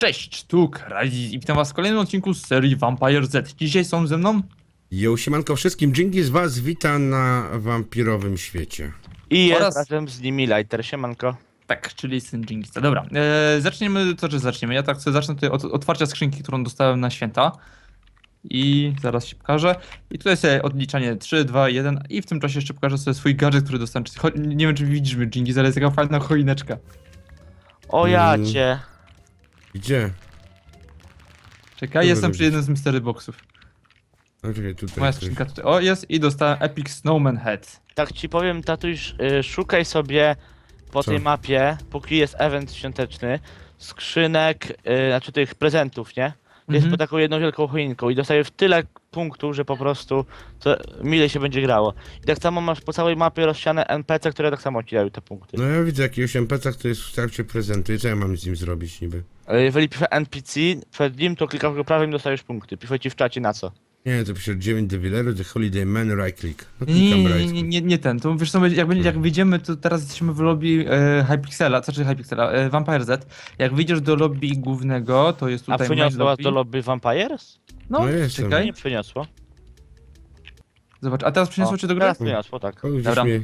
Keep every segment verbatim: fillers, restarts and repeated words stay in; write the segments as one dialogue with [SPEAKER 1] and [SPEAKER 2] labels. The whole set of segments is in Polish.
[SPEAKER 1] Cześć, tu Crysis i witam was w kolejnym odcinku z serii Vampire Z. Dzisiaj są ze mną...
[SPEAKER 2] Jo, siemanko wszystkim, dzięki z was wita na wampirowym świecie.
[SPEAKER 3] I jest
[SPEAKER 1] Oraz-
[SPEAKER 3] razem z nimi Lighter, siemanko.
[SPEAKER 1] Tak, czyli syn Jingista. Dobra, e, zaczniemy, to czy zaczniemy? Ja tak chcę zacznę tutaj od otwarcia skrzynki, którą dostałem na święta. I zaraz się pokażę. I tutaj sobie odliczanie trzy, dwa, jeden i w tym czasie jeszcze pokażę sobie swój gadżet, który dostałem. Czyli cho- Nie wiem, czy widzisz mnie, Jingis, ale jest taka fajna choineczka.
[SPEAKER 3] O ja
[SPEAKER 2] Mm.
[SPEAKER 3] cię.
[SPEAKER 2] Gdzie?
[SPEAKER 1] Czekaj,
[SPEAKER 2] Tu
[SPEAKER 1] jestem
[SPEAKER 2] będę
[SPEAKER 1] przy jednym z mystery boxów.
[SPEAKER 2] No czekaj, tutaj
[SPEAKER 1] Moja
[SPEAKER 2] coś.
[SPEAKER 1] skrzynka tutaj. O, jest i dostałem Epic Snowman Head.
[SPEAKER 3] Tak ci powiem, tatuś, y, szukaj sobie po
[SPEAKER 2] Co?
[SPEAKER 3] tej mapie, póki jest event świąteczny, skrzynek, y, znaczy tych prezentów, nie? Jest
[SPEAKER 1] Mhm.
[SPEAKER 3] pod taką jedną wielką choinką i dostajesz tyle punktów, że po prostu to mile się będzie grało. I tak samo masz po całej mapie rozsiane N P C, które tak samo ci dają te punkty.
[SPEAKER 2] No ja widzę jakiegoś N P C, który jest w trakcie prezentu i co ja mam z nim zrobić niby?
[SPEAKER 3] Ale jeżeli pisze N P C przed nim, to klikasz go prawym i dostajesz punkty. Pisze ci w czacie na co.
[SPEAKER 2] Nie, to pisze dziewięć Devileru, The Holiday Man, right click. No
[SPEAKER 1] Nie, nie,
[SPEAKER 2] klikam
[SPEAKER 1] nie,
[SPEAKER 2] right
[SPEAKER 1] nie,
[SPEAKER 2] click.
[SPEAKER 1] nie, nie ten. To wiesz co, jak, będzie- jak wyjdziemy, to teraz jesteśmy w lobby e, Hypixela, co znaczy Hypixela, e, Vampire Z. Jak wyjdziesz do lobby głównego, to jest
[SPEAKER 3] A
[SPEAKER 1] tutaj main
[SPEAKER 3] przyniosło was
[SPEAKER 1] lobby.
[SPEAKER 3] do lobby Vampires?
[SPEAKER 1] No,
[SPEAKER 2] No jestem.
[SPEAKER 1] czekaj,
[SPEAKER 3] Nie przyniosło.
[SPEAKER 1] zobacz. A teraz przyniosło
[SPEAKER 3] O,
[SPEAKER 1] cię do gry?
[SPEAKER 3] Teraz przyniosło, tak.
[SPEAKER 2] O, gdzieś
[SPEAKER 1] Dobra.
[SPEAKER 2] mnie...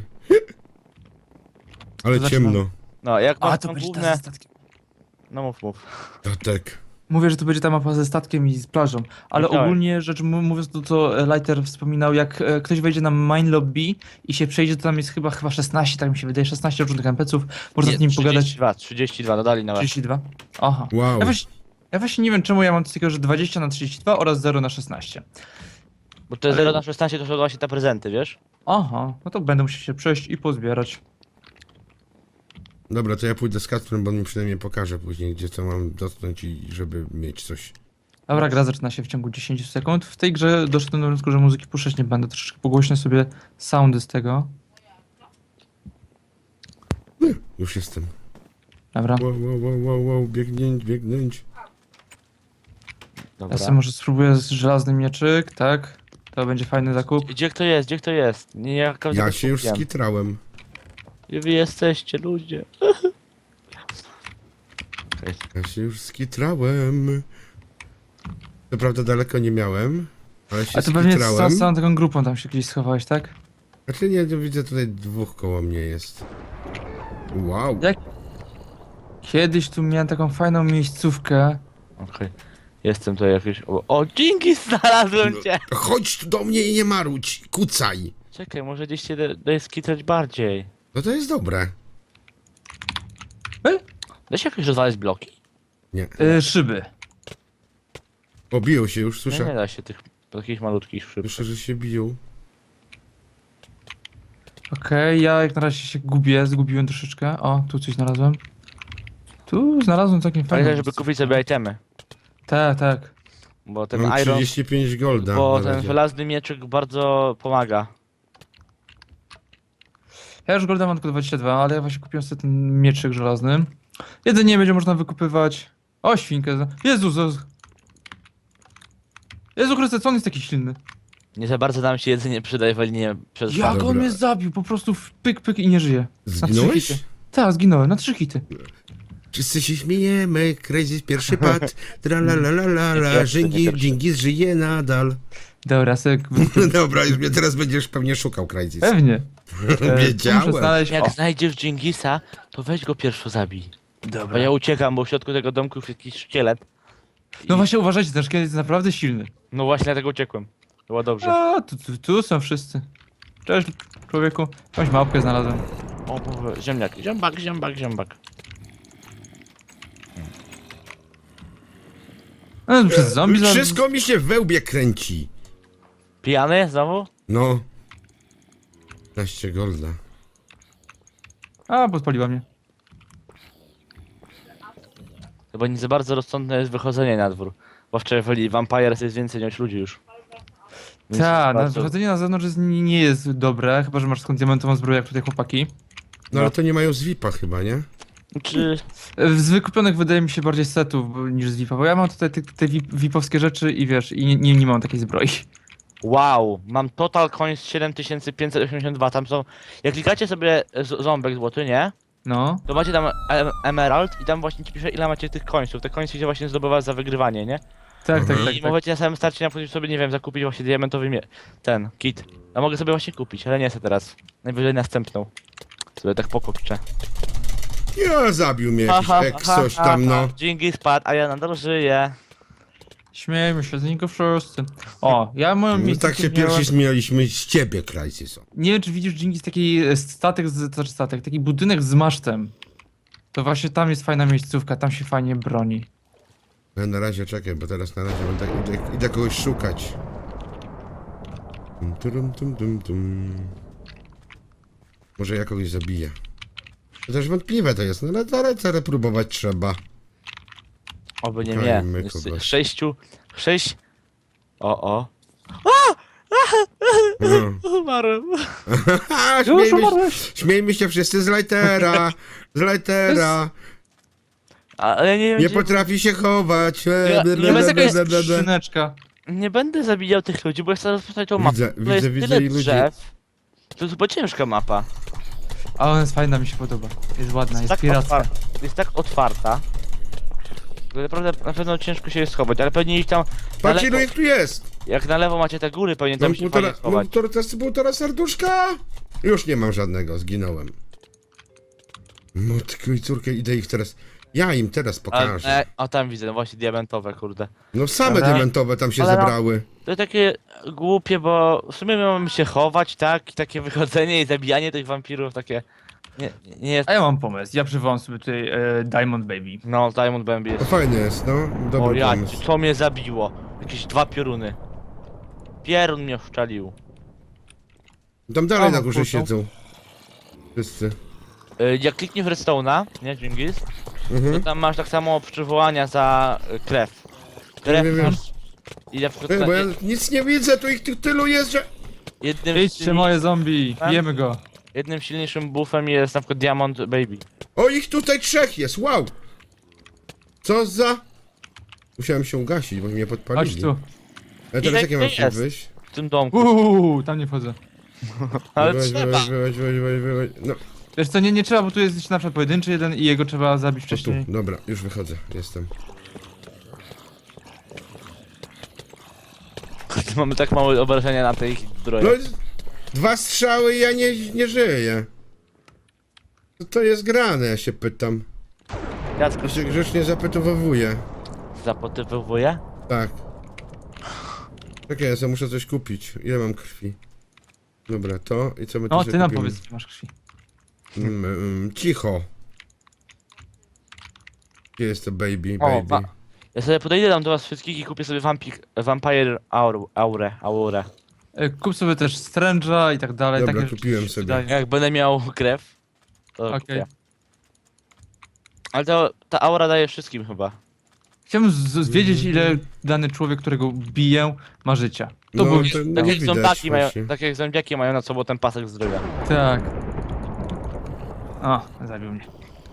[SPEAKER 2] Ale
[SPEAKER 1] To zaczynam.
[SPEAKER 2] ciemno.
[SPEAKER 3] No, jak
[SPEAKER 1] A,
[SPEAKER 3] masz
[SPEAKER 1] to
[SPEAKER 3] tą
[SPEAKER 1] będzie ta
[SPEAKER 3] główne...
[SPEAKER 1] ze statkiem.
[SPEAKER 3] No mów, mów.
[SPEAKER 2] Tatek.
[SPEAKER 1] Mówię, że to będzie ta mapa ze statkiem i z plażą, ale
[SPEAKER 3] Wiedziałem.
[SPEAKER 1] ogólnie rzecz mu- mówiąc to, co Lighter wspominał, jak e, ktoś wejdzie na main lobby i się przejdzie, to tam jest chyba chyba szesnaście, tak mi się wydaje, szesnaście różnych N P C ów, można z nim pogadać.
[SPEAKER 3] trzydzieści dwa, trzydzieści dwa, dodali nawet.
[SPEAKER 1] trzydzieści dwa? Aha.
[SPEAKER 2] Wow.
[SPEAKER 1] Ja właśnie, ja właśnie nie wiem, czemu ja mam coś takiego, że dwadzieścia na trzydzieści dwa oraz zero na szesnaście.
[SPEAKER 3] Bo te zero na szesnaście to są właśnie te prezenty, wiesz?
[SPEAKER 1] Aha, no to będę musiał się przejść i pozbierać.
[SPEAKER 2] Dobra, to ja pójdę z Kacprem, bo on mi przynajmniej pokaże później, gdzie to mam dotknąć i żeby mieć coś.
[SPEAKER 1] Dobra, gra zaczyna się w ciągu dziesięć sekund. W tej grze doszedłem do wniosku, że muzyki puszczać nie będę. Troszeczkę pogłośnię sobie soundy z tego.
[SPEAKER 2] Już jestem.
[SPEAKER 1] Dobra.
[SPEAKER 2] Wow, wow, wow, wow, wow, biegnąć, biegnąć.
[SPEAKER 3] Dobra.
[SPEAKER 1] Ja sobie może spróbuję z żelazny mieczyk, tak? To będzie fajny zakup.
[SPEAKER 3] Gdzie kto jest, gdzie kto jest? Nie, nie, jak
[SPEAKER 2] Ja się już skitrałem.
[SPEAKER 3] Gdzie wy jesteście, ludzie? Okej.
[SPEAKER 2] Ja się już skitrałem. Co prawda daleko nie miałem, ale się
[SPEAKER 1] A to pewnie z
[SPEAKER 2] skitrałem.
[SPEAKER 1] całą, z całą taką grupą tam się gdzieś schowałeś, tak?
[SPEAKER 2] Znaczy nie, to widzę tutaj dwóch koło mnie jest. Wow.
[SPEAKER 1] Jak? Kiedyś tu miałem taką fajną miejscówkę.
[SPEAKER 3] Okej. Jestem tutaj jakiś... O, o dzięki, znalazłem cię!
[SPEAKER 2] No, chodź tu do mnie i nie marudź, kucaj.
[SPEAKER 3] Czekaj, może gdzieś się da- daje skitrać bardziej.
[SPEAKER 2] No to jest dobre.
[SPEAKER 3] Da się jakoś rozwalać bloki?
[SPEAKER 2] Nie.
[SPEAKER 1] Yy, szyby.
[SPEAKER 2] O, biją się już,
[SPEAKER 3] Nie,
[SPEAKER 2] słyszę.
[SPEAKER 3] nie da się tych takich malutkich szyb.
[SPEAKER 2] Słyszę, że się biją.
[SPEAKER 1] Okej, ja jak na razie się gubię, zgubiłem troszeczkę. O, tu coś znalazłem. Tu znalazłem całkiem fajne.
[SPEAKER 3] Pamiętaj, żeby kupić sobie itemy.
[SPEAKER 1] Tak, tak.
[SPEAKER 3] Bo ten
[SPEAKER 2] Mam
[SPEAKER 3] iron...
[SPEAKER 2] trzydzieści pięć golda.
[SPEAKER 3] Bo
[SPEAKER 2] na
[SPEAKER 3] ten
[SPEAKER 2] razie.
[SPEAKER 3] żelazny mieczyk bardzo pomaga.
[SPEAKER 1] Ja już golda mam tylko dwadzieścia dwa, ale ja właśnie kupiłem sobie ten mieczyk żelazny. Jedzenie będzie można wykupywać. O, świnkę. za- Jezus, Jezus. Jezu Chryste, co on jest taki silny?
[SPEAKER 3] Nie za bardzo nam się jedzenie przydaje w linie przez
[SPEAKER 1] Jak
[SPEAKER 2] Dobra.
[SPEAKER 1] on mnie zabił? Po prostu w pyk, pyk i nie żyje. Na trzy
[SPEAKER 2] Zginąłeś?
[SPEAKER 1] hity. Tak, zginąłem, na trzy hity.
[SPEAKER 2] Wszyscy się śmiejemy, Crazy pierwszy pad. Tra la la la la
[SPEAKER 3] Nie
[SPEAKER 2] la,
[SPEAKER 3] pierwszy, nie
[SPEAKER 2] Dżingis,
[SPEAKER 3] pierwszy.
[SPEAKER 2] Dżingis żyje nadal.
[SPEAKER 1] Dobra, sobie...
[SPEAKER 2] Dobra, już mnie teraz będziesz pewnie szukał, Crazy.
[SPEAKER 1] Pewnie. E, Muszę
[SPEAKER 2] Wiedziałem.
[SPEAKER 1] znaleźć...
[SPEAKER 3] Jak
[SPEAKER 1] O,
[SPEAKER 3] znajdziesz Dżingisa, to weź go pierwszy zabij. Bo
[SPEAKER 1] dobra.
[SPEAKER 3] ja uciekam, bo w środku tego domku jest jakiś szkielet. I-
[SPEAKER 1] No właśnie uważajcie, ten szkielet jest naprawdę silny.
[SPEAKER 3] No właśnie dlatego uciekłem. Było dobrze.
[SPEAKER 1] A, tu, tu, tu są wszyscy. Cześć, człowieku. Jakąś małpkę znalazłem.
[SPEAKER 3] O, Boże, ziemniak, ziębak, ziębak, ziębak.
[SPEAKER 1] No, przez zombie... za-
[SPEAKER 2] Wszystko mi się w wełbie kręci.
[SPEAKER 3] Pijany znowu?
[SPEAKER 2] No. piętnaście golda.
[SPEAKER 1] A, podpaliła mnie.
[SPEAKER 3] Chyba nie za bardzo rozsądne jest wychodzenie na dwór. Bo wczoraj w Vampires jest więcej niż ludzi już. Więc
[SPEAKER 1] Tak, na
[SPEAKER 3] bardzo-
[SPEAKER 1] wychodzenie na zewnątrz jest, nie, nie jest dobre, chyba że masz skąd diamentową zbroję jak tutaj chłopaki.
[SPEAKER 2] No ale to nie mają zwipa chyba, nie?
[SPEAKER 3] Czy...
[SPEAKER 1] Z wykupionych wydaje mi się bardziej setów bo- niż z V I P-a, bo ja mam tutaj te, te V I P-owskie rzeczy i wiesz, i nie, nie, nie mam takiej zbroi.
[SPEAKER 3] Wow, mam total coins siedem tysięcy pięćset osiemdziesiąt dwa, tam są... Jak klikacie sobie z- ząbek złoty, nie?
[SPEAKER 1] No.
[SPEAKER 3] to macie tam em emerald i tam właśnie ci pisze ile macie tych końców. Te końce się właśnie zdobywa za wygrywanie, nie?
[SPEAKER 1] Tak,
[SPEAKER 2] Mhm.
[SPEAKER 1] tak, tak,
[SPEAKER 3] I
[SPEAKER 1] tak.
[SPEAKER 3] możecie na samym starcie na przykład sobie, nie wiem, zakupić właśnie diamentowy mie- ten kit. Ja mogę sobie właśnie kupić, ale nie chcę teraz. Najwyżej następną. Sobie tak pokupczę.
[SPEAKER 2] Ja zabił mnie jakiś eks coś tam, no.
[SPEAKER 3] Dzięki spadł, a ja nadal żyję.
[SPEAKER 1] Śmiejmy się z niego wszyscy. O, ja moją
[SPEAKER 2] No
[SPEAKER 1] miejsce
[SPEAKER 2] tak się pierwsi śmialiśmy z ciebie, Crysis.
[SPEAKER 1] Nie wiem, czy widzisz, Dżingis, taki e, statek, z, to znaczy statek, taki budynek z masztem. To właśnie tam jest fajna miejscówka, tam się fajnie broni.
[SPEAKER 2] No na razie czekaj, bo teraz na razie będę, idę, idę kogoś szukać. Tum, turum, tum, tum, tum. Może ja kogoś zabiję. To też wątpliwe to jest, no ale zaraz, zaraz próbować trzeba.
[SPEAKER 3] Oby nie
[SPEAKER 2] Szukajmy
[SPEAKER 3] mnie. Jest
[SPEAKER 2] kogoś.
[SPEAKER 3] sześciu. Sześć. O, o.
[SPEAKER 2] No.
[SPEAKER 3] Umarłem.
[SPEAKER 2] Haha,
[SPEAKER 1] Już
[SPEAKER 2] śmiejmy, się-
[SPEAKER 1] umarłeś!
[SPEAKER 2] śmiejmy się wszyscy z Lightera, z Lightera.
[SPEAKER 3] Ale nie wiem,
[SPEAKER 2] Nie
[SPEAKER 3] gdzie-
[SPEAKER 2] potrafi się chować. E,
[SPEAKER 3] Ja-
[SPEAKER 2] ble,
[SPEAKER 3] nie
[SPEAKER 2] ble,
[SPEAKER 1] To jest
[SPEAKER 2] ble,
[SPEAKER 1] jakaś
[SPEAKER 2] ble, ble, ble.
[SPEAKER 1] skrzyneczka.
[SPEAKER 3] nie będę zabijał tych ludzi, bo ja chcę rozpoznać tą mapę.
[SPEAKER 2] Widzę,
[SPEAKER 3] To
[SPEAKER 2] widzę,
[SPEAKER 3] jest
[SPEAKER 2] widzę
[SPEAKER 3] tyle
[SPEAKER 2] i ludzi.
[SPEAKER 3] drzew. To jest chyba ciężka mapa.
[SPEAKER 1] A ona jest fajna, mi się podoba. Jest ładna, jest
[SPEAKER 3] tak
[SPEAKER 1] piracka.
[SPEAKER 3] otwar- jest tak otwarta. że Naprawdę na pewno ciężko się je schować, ale pewnie ich tam. Na
[SPEAKER 2] Patrz ilu
[SPEAKER 3] lewo,
[SPEAKER 2] ich tu jest.
[SPEAKER 3] jak na lewo macie te góry, pewnie tam
[SPEAKER 2] Mam
[SPEAKER 3] się
[SPEAKER 2] półtora,
[SPEAKER 3] fajnie schować.
[SPEAKER 2] mam półtora, półtora serduszka. Już nie mam żadnego, zginąłem. Matko i córkę, idę ich teraz. Ja im teraz
[SPEAKER 3] A,
[SPEAKER 2] pokażę.
[SPEAKER 3] e, a tam widzę, no właśnie diamentowe, kurde.
[SPEAKER 2] No same
[SPEAKER 3] Ale-
[SPEAKER 2] diamentowe tam się
[SPEAKER 3] ale no-
[SPEAKER 2] zebrały.
[SPEAKER 3] To takie głupie, bo w sumie mamy się chować, tak? I takie wychodzenie i zabijanie tych wampirów, takie. Nie, nie jest.
[SPEAKER 1] A ja mam pomysł, ja przywołam sobie tutaj e, Diamond Baby.
[SPEAKER 3] No, Diamond Bambi
[SPEAKER 2] To
[SPEAKER 3] jest.
[SPEAKER 2] fajne jest, no.
[SPEAKER 3] O
[SPEAKER 2] Dobry
[SPEAKER 3] ja,
[SPEAKER 2] pomysł.
[SPEAKER 3] co mnie zabiło? Jakieś dwa pioruny. Pierun mnie szczelił.
[SPEAKER 2] Tam dalej
[SPEAKER 1] O,
[SPEAKER 2] na górze
[SPEAKER 1] kurczą.
[SPEAKER 2] siedzą. Wszyscy.
[SPEAKER 3] Y, Jak klikniesz w redstone'a, nie, Dżingis? To
[SPEAKER 2] Mhm.
[SPEAKER 3] tam masz tak samo przywołania za y, krew. Krew
[SPEAKER 2] Wiem, wiem, wiem.
[SPEAKER 3] masz. I na przykład
[SPEAKER 2] Ej,
[SPEAKER 3] na
[SPEAKER 2] bo ja
[SPEAKER 3] jed-
[SPEAKER 2] nic nie widzę, tu ich tu tylu jest, że...
[SPEAKER 3] jednym,
[SPEAKER 1] Idźcie
[SPEAKER 3] silni-
[SPEAKER 1] moje zombie,
[SPEAKER 3] Tak?
[SPEAKER 1] bijemy go.
[SPEAKER 3] jednym silniejszym buffem jest na przykład Diamond Baby.
[SPEAKER 2] O, ich tutaj trzech jest, wow! Co za... Musiałem się ugasić, bo mnie podpalili.
[SPEAKER 1] Chodź tu.
[SPEAKER 2] Ale
[SPEAKER 3] Ile
[SPEAKER 2] teraz jak ja mam
[SPEAKER 3] ich
[SPEAKER 2] się
[SPEAKER 3] jest?
[SPEAKER 2] wyjść?
[SPEAKER 3] W tym domku.
[SPEAKER 1] Uuu, tam nie wchodzę.
[SPEAKER 3] Ale
[SPEAKER 2] Wyłaź,
[SPEAKER 3] trzeba.
[SPEAKER 2] wyłaź, wyłaź, wyłaź, wyłaź, wyłaź. No,
[SPEAKER 1] Wiesz co, nie, nie trzeba, bo tu jest jeszcze na przykład pojedynczy jeden i jego trzeba zabić
[SPEAKER 2] o tu,
[SPEAKER 1] wcześniej.
[SPEAKER 2] dobra, już wychodzę, jestem.
[SPEAKER 3] Mamy tak małe obrażenia na tej
[SPEAKER 2] No,
[SPEAKER 3] zbroi.
[SPEAKER 2] dwa strzały i ja nie, nie żyję. Co to jest grane, ja się pytam.
[SPEAKER 3] Jacku
[SPEAKER 2] Ja się grzecznie zapytowuję.
[SPEAKER 3] zapotywuje?
[SPEAKER 2] Tak. Czekaj, ja sobie muszę coś kupić. Ile mam krwi? Dobra, to i co my tu
[SPEAKER 1] No,
[SPEAKER 2] sobie
[SPEAKER 1] ty nam
[SPEAKER 2] kupimy?
[SPEAKER 1] powiedz, gdzie masz krwi.
[SPEAKER 2] Mm, mm, cicho. Gdzie jest to baby,
[SPEAKER 3] O,
[SPEAKER 2] baby?
[SPEAKER 3] ma- Ja sobie podejdę tam do was wszystkich i kupię sobie vampik, Vampire Aur, Aurę, Aurę.
[SPEAKER 1] E, Kup sobie też Strange'a i tak dalej.
[SPEAKER 2] Dobra,
[SPEAKER 1] takie rzeczy
[SPEAKER 2] kupiłem
[SPEAKER 1] się
[SPEAKER 2] sobie.
[SPEAKER 1] przydają.
[SPEAKER 3] Jak będę miał krew, to
[SPEAKER 1] Okej.
[SPEAKER 3] kupię. Ale to, ta aura daje wszystkim chyba.
[SPEAKER 1] Chciałbym z- z- wiedzieć, ile dany człowiek, którego biję, ma życia. To
[SPEAKER 2] No,
[SPEAKER 1] był...
[SPEAKER 2] to nie
[SPEAKER 3] Tak jak
[SPEAKER 2] widać
[SPEAKER 3] zombiaki mają,
[SPEAKER 2] właśnie.
[SPEAKER 3] tak jak zombiaki mają nad sobą ten pasek zdrowia.
[SPEAKER 1] Tak. O, zabił mnie.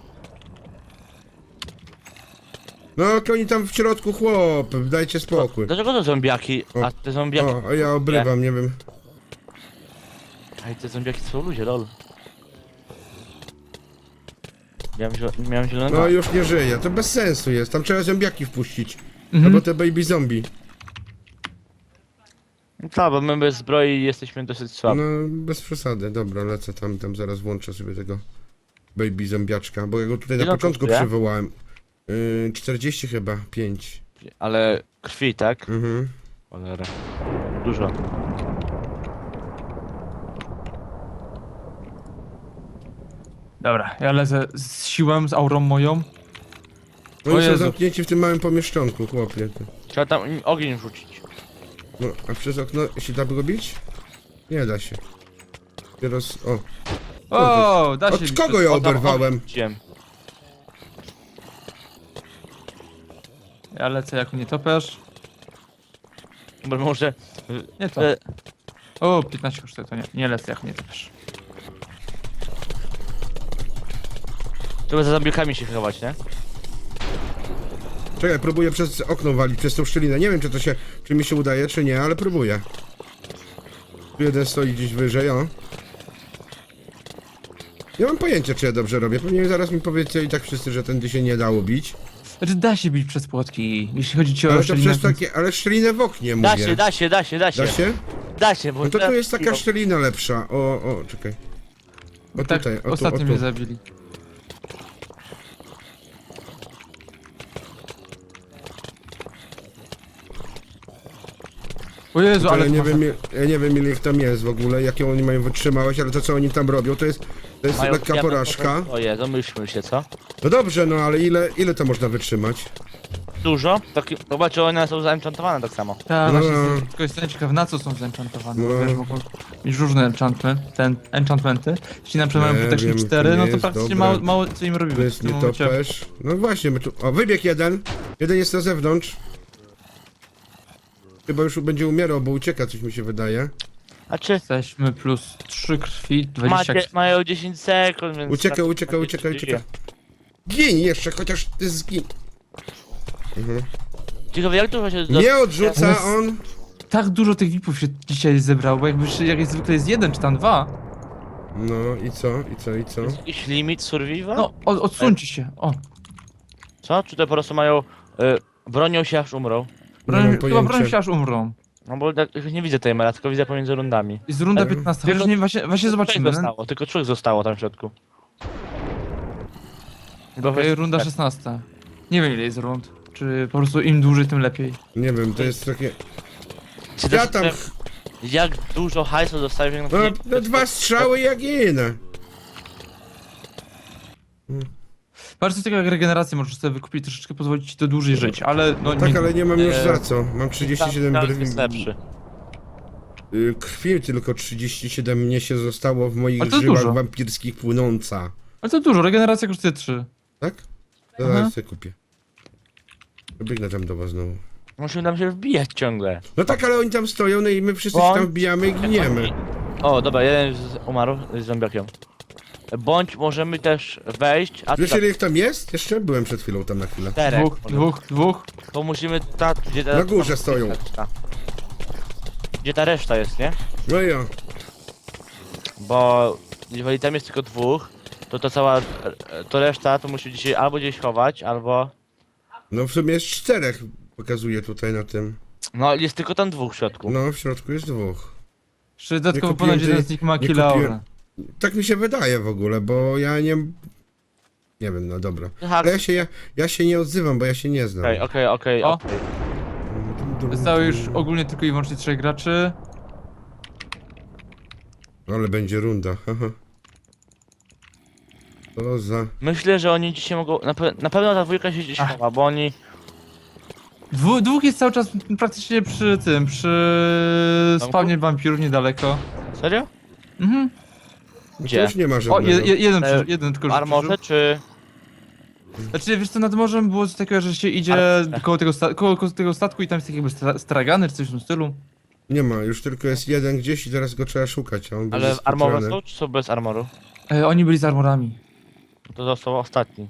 [SPEAKER 2] No, to oni tam w środku, chłop, dajcie spokój.
[SPEAKER 3] Dlaczego to zombiaki,
[SPEAKER 2] O,
[SPEAKER 3] a te zombiaki...
[SPEAKER 2] O, a ja obrywam, nie wiem.
[SPEAKER 3] Ej, te zombiaki to są ludzie, lol. Miałem, zielo- miałem zielonego.
[SPEAKER 2] No już nie żyje, to bez sensu jest, tam trzeba zombiaki wpuścić.
[SPEAKER 1] Mhm.
[SPEAKER 2] Albo te baby zombie.
[SPEAKER 3] Tak, bo my bez zbroi jesteśmy dosyć słabi.
[SPEAKER 2] No, bez przesady, dobra, lecę tam, tam zaraz włączę sobie tego baby zombiaczka, bo ja go tutaj na
[SPEAKER 3] Ile on
[SPEAKER 2] początku
[SPEAKER 3] kosztuje?
[SPEAKER 2] przywołałem. Yy, czterdzieści chyba, pięć.
[SPEAKER 3] Ale krwi, tak?
[SPEAKER 2] Mhm.
[SPEAKER 3] Cholera. Dużo.
[SPEAKER 1] Dobra, ja lecę z siłą, z aurą moją. O
[SPEAKER 2] Oni są
[SPEAKER 1] Jezu.
[SPEAKER 2] zamknięci w tym małym pomieszczonku, chłopie. ty.
[SPEAKER 3] Trzeba tam im ogień rzucić.
[SPEAKER 2] No, a przez okno się da go bić? Nie da się. Teraz, o.
[SPEAKER 1] O, da się.
[SPEAKER 2] Od kogo ja
[SPEAKER 3] O, tam
[SPEAKER 2] oberwałem?
[SPEAKER 3] ogień rzuciłem.
[SPEAKER 1] Ja lecę jako nietoperz.
[SPEAKER 3] Bo może...
[SPEAKER 1] Nie to.
[SPEAKER 3] E,
[SPEAKER 1] O, piętnaście kosztuje, to nie. Nie lecę jako nietoperz.
[SPEAKER 3] trzeba za zombiakami się chować, nie?
[SPEAKER 2] Czekaj, próbuję przez okno walić, przez tą szczelinę. Nie wiem, czy to się, czy mi się udaje, czy nie, ale próbuję. Tu jeden stoi gdzieś wyżej, o. Nie mam pojęcia, czy ja dobrze robię. Pewnie zaraz mi powiecie i tak wszyscy, że tędy się nie dało bić.
[SPEAKER 1] Znaczy da się bić przez płotki, jeśli chodzi ci o
[SPEAKER 2] Ale to
[SPEAKER 1] szczelinę,
[SPEAKER 2] przez takie, ale szczelinę w oknie mówię.
[SPEAKER 3] Da się, da się, da się, da się.
[SPEAKER 2] Da się?
[SPEAKER 3] Da się, bo
[SPEAKER 2] No to tu jest taka
[SPEAKER 3] No,
[SPEAKER 2] szczelina lepsza. O, o, czekaj. O
[SPEAKER 1] tak
[SPEAKER 2] tutaj, o tu, o
[SPEAKER 1] ostatnio mnie
[SPEAKER 2] tu.
[SPEAKER 1] zabili. O Jezu, ale
[SPEAKER 2] Ale
[SPEAKER 1] to
[SPEAKER 2] nie
[SPEAKER 1] masa-
[SPEAKER 2] wiem, ile- ja nie wiem ile ich tam jest w ogóle, jakie oni mają wytrzymałość, ale to co oni tam robią, to jest, to jest
[SPEAKER 3] mają
[SPEAKER 2] lekka
[SPEAKER 3] diamentowe
[SPEAKER 2] porażka.
[SPEAKER 3] zbroje, zamyślmy się, co?
[SPEAKER 2] No dobrze, no ale ile, ile to można wytrzymać?
[SPEAKER 3] Dużo? Taki, zobaczcie, one są zaenchantowane tak samo.
[SPEAKER 1] Tak,
[SPEAKER 2] No,
[SPEAKER 1] właśnie,
[SPEAKER 2] no.
[SPEAKER 1] jestem- tylko jestem ciekaw, na co są zenchantowane, bo
[SPEAKER 2] No.
[SPEAKER 1] wiesz, mogą mieć różne enchantment, ten, enchantmenty. Jeśli na przykład
[SPEAKER 2] Nie
[SPEAKER 1] mają protection
[SPEAKER 2] wiem,
[SPEAKER 1] cztery,
[SPEAKER 2] to nie
[SPEAKER 1] no to
[SPEAKER 2] jest
[SPEAKER 1] praktycznie
[SPEAKER 2] dobre.
[SPEAKER 1] mało, mało co im robimy.
[SPEAKER 2] To jest
[SPEAKER 1] w tym momencie.
[SPEAKER 2] nietoperz. No właśnie, my tu... O, wybieg jeden. Jeden jest na zewnątrz. Chyba już będzie umierał, bo ucieka, coś mi się wydaje.
[SPEAKER 3] A czy
[SPEAKER 1] Jesteśmy plus trzy krwi, dwadzieścia
[SPEAKER 3] macie, mają dziesięć sekund, więc...
[SPEAKER 2] Ucieka,
[SPEAKER 3] tak-
[SPEAKER 2] ucieka,
[SPEAKER 3] tak
[SPEAKER 2] ucieka,
[SPEAKER 3] się
[SPEAKER 2] ucieka.
[SPEAKER 3] dzieje.
[SPEAKER 2] Gin jeszcze, chociaż ty zgin. Mhm.
[SPEAKER 3] Ciekawe, jak dużo się...
[SPEAKER 2] Nie odrzuca
[SPEAKER 1] Ale-
[SPEAKER 2] on.
[SPEAKER 1] Tak dużo tych V I P-ów się dzisiaj zebrało, bo jakby się- jak jest zwykle jest jeden czy tam dwa.
[SPEAKER 2] No i co, i co, i co?
[SPEAKER 3] Jest jakiś limit survival?
[SPEAKER 1] No, od, odsuńcie się. O,
[SPEAKER 3] Co? Czy to po prostu mają... Y, bronią się aż umrą?
[SPEAKER 2] Nie
[SPEAKER 1] broń,
[SPEAKER 2] mam
[SPEAKER 1] chyba broń
[SPEAKER 2] pojęcia.
[SPEAKER 1] się aż umrą.
[SPEAKER 3] No bo tak, nie widzę timera, tylko widzę pomiędzy rundami.
[SPEAKER 1] Jest runda
[SPEAKER 2] Ale-
[SPEAKER 1] piętnasta,
[SPEAKER 3] Tylko-
[SPEAKER 1] chociaż nie, właśnie, właśnie zobaczymy.
[SPEAKER 3] Trzech zostało, tylko trzech zostało tam w środku. Bo
[SPEAKER 1] Okej,
[SPEAKER 3] weź-
[SPEAKER 1] runda szesnasta. Nie wiem ile jest rund. Czy po prostu im dłużej, tym lepiej.
[SPEAKER 2] Nie wiem, to jest takie...
[SPEAKER 3] Czy
[SPEAKER 2] Ja
[SPEAKER 3] to-
[SPEAKER 2] tam...
[SPEAKER 3] Jak dużo hajsu dostajesz jak na
[SPEAKER 2] No,
[SPEAKER 3] przykład-
[SPEAKER 2] no dwa strzały jak inne.
[SPEAKER 1] Patrz, coś takiego jak regenerację możesz sobie wykupić, troszeczkę pozwolić ci to dłużej żyć, ale no
[SPEAKER 2] Tak, ale nie mam już
[SPEAKER 3] e,
[SPEAKER 2] za co. Mam trzydzieści siedem
[SPEAKER 3] Tam
[SPEAKER 2] brwi.
[SPEAKER 3] jest lepszy.
[SPEAKER 2] Y, Krwi tylko trzydzieści siedem mnie się zostało w moich
[SPEAKER 1] A to
[SPEAKER 2] żyłach
[SPEAKER 1] dużo.
[SPEAKER 2] wampirskich płynąca.
[SPEAKER 1] Ale to dużo, regeneracja kosztuje trzy.
[SPEAKER 2] Tak? To
[SPEAKER 1] Aha.
[SPEAKER 2] zaraz sobie kupię. Biegnę tam do was znowu.
[SPEAKER 3] Musimy tam się wbijać ciągle.
[SPEAKER 2] No tak, ale oni tam stoją, no i my wszyscy się
[SPEAKER 3] Bądź-
[SPEAKER 2] tam wbijamy i giniemy.
[SPEAKER 3] O, dobra, jeden z umarł z zombiakiem. Bądź możemy też wejść, a
[SPEAKER 2] Wiesz
[SPEAKER 3] tak,
[SPEAKER 2] ile ich tam jest? Jeszcze byłem przed chwilą tam na chwilę.
[SPEAKER 3] czterech.
[SPEAKER 1] Dwóch,
[SPEAKER 3] może.
[SPEAKER 1] dwóch, dwóch.
[SPEAKER 3] To musimy ta, gdzie ta,
[SPEAKER 2] Na górze stoją.
[SPEAKER 3] reszta. Gdzie ta reszta jest, nie?
[SPEAKER 2] No i o.
[SPEAKER 3] Bo jeżeli tam jest tylko dwóch, to to cała, to reszta to musi dzisiaj albo gdzieś chować, albo...
[SPEAKER 2] No w sumie jest czterech, pokazuje tutaj na tym.
[SPEAKER 3] No jest tylko tam dwóch w środku.
[SPEAKER 2] No w środku jest dwóch.
[SPEAKER 1] Jeszcze dodatkowo
[SPEAKER 2] kupiłem
[SPEAKER 1] ponad jeden
[SPEAKER 2] tej-
[SPEAKER 1] z nich ma
[SPEAKER 2] nie
[SPEAKER 1] kill
[SPEAKER 2] kupiłem-
[SPEAKER 1] aura.
[SPEAKER 2] Tak mi się wydaje w ogóle, bo ja nie... Nie wiem, no dobra.
[SPEAKER 3] Aha,
[SPEAKER 2] Ale ja się, ja, ja się nie odzywam, bo ja się nie znam.
[SPEAKER 3] okej, okej, okej,
[SPEAKER 1] O.
[SPEAKER 3] okej.
[SPEAKER 1] Zostało już ogólnie tylko i wyłącznie trzech graczy.
[SPEAKER 2] Ale będzie runda, haha. To za...
[SPEAKER 3] Myślę, że oni dzisiaj mogą, na, pe na pewno ta dwójka się gdzieś
[SPEAKER 1] Ach.
[SPEAKER 3] chowa, bo oni...
[SPEAKER 1] Dwu, dwóch jest cały czas praktycznie przy tym, przy
[SPEAKER 3] Domku?
[SPEAKER 1] spawnie wampirów niedaleko.
[SPEAKER 3] Serio?
[SPEAKER 1] Mhm.
[SPEAKER 2] To
[SPEAKER 3] Gdzie?
[SPEAKER 2] już nie ma
[SPEAKER 1] O,
[SPEAKER 2] żadnego.
[SPEAKER 1] je, je, jeden,
[SPEAKER 3] E,
[SPEAKER 1] przy, jeden tylko
[SPEAKER 3] W
[SPEAKER 1] że
[SPEAKER 3] armorze, czy...
[SPEAKER 1] przeżył. Znaczy, wiesz co, nad morzem było coś takiego, że się idzie
[SPEAKER 3] Ale-
[SPEAKER 1] koło tego, sta koło, koło tego statku i tam jest taki jakby stra stragany czy coś w tym stylu.
[SPEAKER 2] Nie ma, już tylko jest jeden gdzieś i teraz go trzeba szukać, a on będzie
[SPEAKER 3] Ale armowe
[SPEAKER 2] skupiony.
[SPEAKER 3] są, czy są bez armoru?
[SPEAKER 1] E, oni byli z armorami.
[SPEAKER 3] To został ostatni.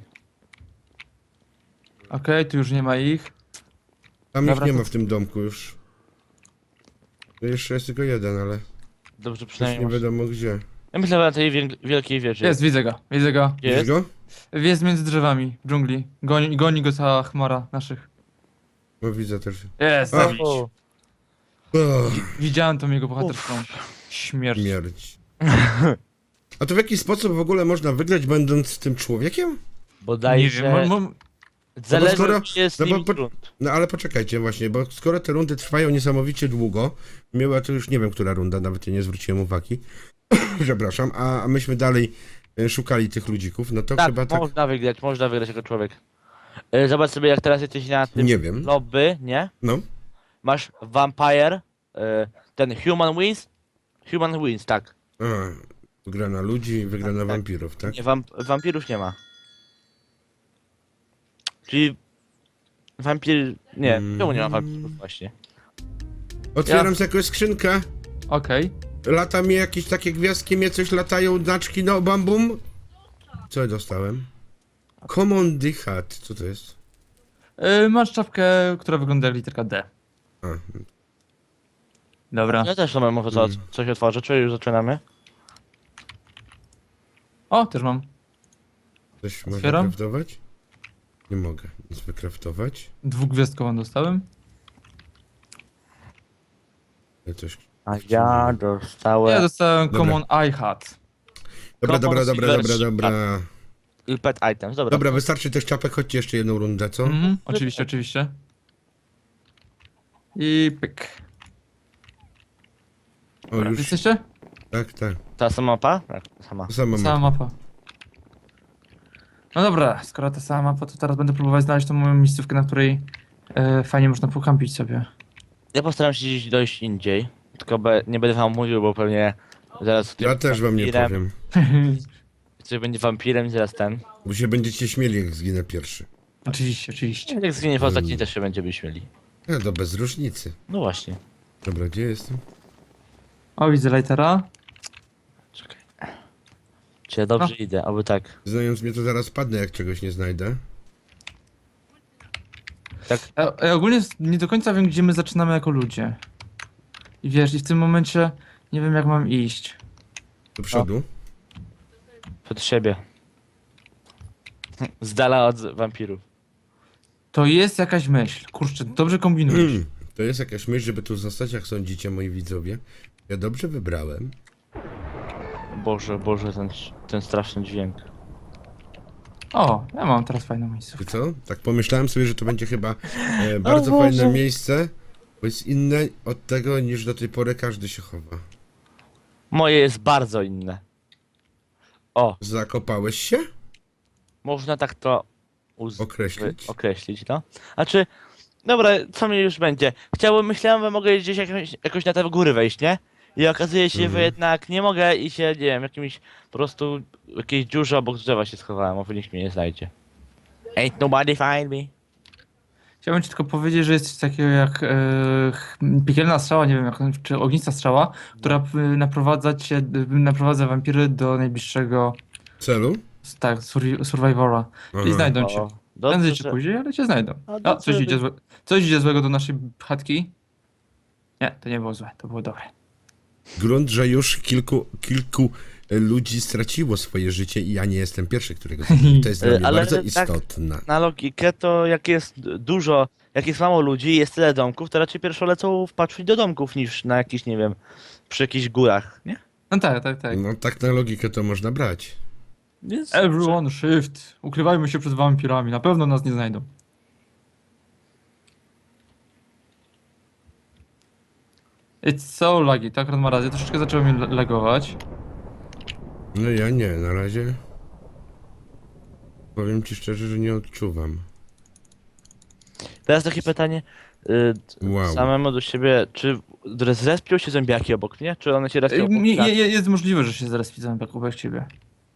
[SPEAKER 1] Okej, tu już nie ma ich.
[SPEAKER 2] Tam ich
[SPEAKER 1] Dobra,
[SPEAKER 2] nie
[SPEAKER 1] to-
[SPEAKER 2] ma w tym domku już. To jeszcze jest tylko jeden, ale
[SPEAKER 3] Dobrze,
[SPEAKER 2] już
[SPEAKER 3] przynajmniej
[SPEAKER 2] nie
[SPEAKER 3] masz...
[SPEAKER 2] wiadomo gdzie.
[SPEAKER 3] Ja myślę, że na tej wiel wielkiej wieży.
[SPEAKER 1] Jest, widzę go, widzę go.
[SPEAKER 3] Gdzie jest?
[SPEAKER 2] Widzisz go?
[SPEAKER 1] Jest między drzewami, w dżungli. Goni, goni go cała chmara naszych.
[SPEAKER 2] No widzę też.
[SPEAKER 1] Jest,
[SPEAKER 2] A.
[SPEAKER 1] zabić.
[SPEAKER 3] O,
[SPEAKER 2] Oh,
[SPEAKER 1] Widziałem tą jego bohaterską śmierć.
[SPEAKER 2] śmierć. A to w jaki sposób w ogóle można wygrać będąc tym człowiekiem?
[SPEAKER 1] Nie
[SPEAKER 3] bodajże...
[SPEAKER 1] wiem, mo, mo,
[SPEAKER 3] Zależy,
[SPEAKER 2] No bo skoro-
[SPEAKER 3] czy jest
[SPEAKER 2] no bo
[SPEAKER 3] limit
[SPEAKER 2] po-
[SPEAKER 3] rund.
[SPEAKER 2] No ale poczekajcie właśnie, bo skoro te rundy trwają niesamowicie długo, miała to już nie wiem, która runda, nawet nie zwróciłem uwagi. Przepraszam, a a myśmy dalej e, szukali tych ludzików, no to
[SPEAKER 3] Tak,
[SPEAKER 2] chyba tak,
[SPEAKER 3] można wygrać, można wygrać jako człowiek. E, Zobacz sobie, jak teraz jesteś na tym
[SPEAKER 2] nie wiem.
[SPEAKER 3] lobby, nie?
[SPEAKER 2] No,
[SPEAKER 3] Masz Vampire, e, ten Human Wins. Human Wins, tak.
[SPEAKER 2] a, gra na ludzi, wygra na
[SPEAKER 3] tak.
[SPEAKER 2] wampirów, tak?
[SPEAKER 3] Nie, wamp wampirów nie ma. Czyli... Wampir... Nie,
[SPEAKER 2] Mm.
[SPEAKER 3] czemu nie ma wampirów właśnie?
[SPEAKER 2] Otwieram
[SPEAKER 1] Ja-
[SPEAKER 2] sobie jakąś skrzynkę,
[SPEAKER 1] okej.
[SPEAKER 2] lata mi jakieś takie gwiazdki, mnie coś latają, znaczki, no bambum. Co ja dostałem? Common Hat, co to jest?
[SPEAKER 1] Y, Masz czapkę, która wygląda jak literka D.
[SPEAKER 2] A,
[SPEAKER 1] Dobra.
[SPEAKER 3] Ja też to mam może co,
[SPEAKER 2] Mm.
[SPEAKER 3] coś otworzę, czy już zaczynamy?
[SPEAKER 1] O, też mam.
[SPEAKER 2] Coś można
[SPEAKER 1] Otwieram?
[SPEAKER 2] kraftować? Nie mogę nic wykraftować.
[SPEAKER 1] Dwugwiazdkową dostałem.
[SPEAKER 2] Ale Coś...
[SPEAKER 3] A ja
[SPEAKER 1] Ja
[SPEAKER 3] dostałem
[SPEAKER 1] dostałem
[SPEAKER 2] Dobra.
[SPEAKER 1] Common Eye Hat.
[SPEAKER 2] Dobra, dobra,
[SPEAKER 3] Common
[SPEAKER 2] dobra,
[SPEAKER 3] Silver
[SPEAKER 2] dobra,
[SPEAKER 3] Sheep.
[SPEAKER 2] dobra.
[SPEAKER 3] i pet items, dobra.
[SPEAKER 2] Dobra, wystarczy tych czapek, chodźcie jeszcze jedną rundę, co?
[SPEAKER 1] Mhm, oczywiście, oczywiście. I pyk.
[SPEAKER 2] O,
[SPEAKER 1] Dobra,
[SPEAKER 2] już.
[SPEAKER 1] jesteście?
[SPEAKER 2] Tak, tak.
[SPEAKER 3] Ta sama mapa? Tak, ta sama.
[SPEAKER 2] To samo
[SPEAKER 1] Sama
[SPEAKER 2] ma.
[SPEAKER 1] mapa. No dobra, skoro ta sama mapa, to teraz będę próbować znaleźć tą moją miejscówkę, na której e, fajnie można pokampić sobie.
[SPEAKER 3] Ja postaram się gdzieś dojść indziej, tylko be, nie będę wam mówił, bo pewnie zaraz...
[SPEAKER 2] Ja też wam nie
[SPEAKER 3] wampirem,
[SPEAKER 2] powiem.
[SPEAKER 3] Ktoś będzie wampirem i zaraz ten.
[SPEAKER 2] Bo się będziecie śmieli, jak zginę pierwszy.
[SPEAKER 1] Oczywiście, oczywiście.
[SPEAKER 3] Jak zginie w ostatni
[SPEAKER 2] Mm.
[SPEAKER 3] też się będziemy śmieli.
[SPEAKER 2] No to bez różnicy.
[SPEAKER 3] No właśnie.
[SPEAKER 2] Dobra, gdzie jestem?
[SPEAKER 1] O, widzę lightera.
[SPEAKER 3] Czekaj. Czy ja dobrze idę, aby tak.
[SPEAKER 2] Znając mnie, to zaraz padnę, jak czegoś nie znajdę.
[SPEAKER 3] Tak.
[SPEAKER 1] Ja, ja ogólnie nie do końca wiem, gdzie my zaczynamy jako ludzie. I wiesz, i w tym momencie nie wiem, jak mam iść.
[SPEAKER 2] Do przodu.
[SPEAKER 3] Przed siebie. Z dala od wampirów.
[SPEAKER 1] To jest jakaś myśl. Kurczę, dobrze kombinujesz.
[SPEAKER 2] Mm. To jest jakaś myśl, żeby tu zostać, jak sądzicie, moi widzowie. Ja dobrze wybrałem.
[SPEAKER 3] Boże, Boże, ten, ten straszny dźwięk.
[SPEAKER 1] O, ja mam teraz fajną
[SPEAKER 2] Czy
[SPEAKER 1] miejscówkę.
[SPEAKER 2] co? Tak pomyślałem sobie, że to będzie chyba e, bardzo
[SPEAKER 3] Boże.
[SPEAKER 2] fajne miejsce, bo jest inne od tego, niż do tej pory każdy się chowa.
[SPEAKER 3] Moje jest bardzo inne. O,
[SPEAKER 2] Zakopałeś się?
[SPEAKER 3] można tak to uz-
[SPEAKER 2] Określić?
[SPEAKER 3] wy- określić, no. A czy... Dobra, co mi już będzie? Chciałbym, myślałem, że mogę gdzieś jakoś, jakoś na te góry wejść, nie? I okazuje się, że
[SPEAKER 2] Mhm.
[SPEAKER 3] jednak nie mogę i się, nie wiem, jakimś po prostu w jakiejś dziurze obok drzewa się schowałem, a nikt mnie nie znajdzie. Ain't nobody find me.
[SPEAKER 1] Chciałbym ci tylko powiedzieć, że jest coś takiego jak e, ch- piekielna strzała, nie wiem, jak, czy ognista strzała, która e, naprowadza cię, e, naprowadza wampiry do najbliższego,
[SPEAKER 2] Celu?
[SPEAKER 1] tak, survi- survivora. Czyli
[SPEAKER 2] Aha.
[SPEAKER 1] znajdą cię.
[SPEAKER 3] O, dobrze,
[SPEAKER 1] Prędzej czy
[SPEAKER 3] że-
[SPEAKER 1] później, ale cię znajdą.
[SPEAKER 3] A
[SPEAKER 1] A,
[SPEAKER 3] dobrze,
[SPEAKER 1] coś
[SPEAKER 3] że-
[SPEAKER 1] idzie, złe, coś idzie złego do naszej chatki? Nie, to nie było złe, to było dobre.
[SPEAKER 2] Grunt, że już kilku, kilku e, ludzi straciło swoje życie i ja nie jestem pierwszy, którego zabiję. To jest dla
[SPEAKER 3] E,
[SPEAKER 2] mnie
[SPEAKER 3] ale
[SPEAKER 2] bardzo
[SPEAKER 3] tak-
[SPEAKER 2] istotne.
[SPEAKER 3] Na logikę to jak jest dużo, jak jest mało ludzi i jest tyle domków, to raczej pierwsze lecą wpatrzyć do domków niż na jakiś, nie wiem, przy jakichś górach, nie?
[SPEAKER 1] No tak, tak, tak.
[SPEAKER 2] No tak na logikę to można brać.
[SPEAKER 3] Więc...
[SPEAKER 1] Everyone shift. Ukrywajmy się przed wampirami, na pewno nas nie znajdą. It's so laggy, tak ma razie, troszeczkę zaczęło mnie lagować.
[SPEAKER 2] No ja nie, na razie. Powiem ci szczerze, że nie odczuwam.
[SPEAKER 3] Teraz takie pytanie, y,
[SPEAKER 2] Wow.
[SPEAKER 3] samemu do siebie, czy zrespią się zombiaki obok mnie, czy one się respią
[SPEAKER 1] Ej,
[SPEAKER 3] obok
[SPEAKER 1] nie-
[SPEAKER 3] nas?
[SPEAKER 1] je- Jest możliwe, że się zaraz widzę jak obok ciebie.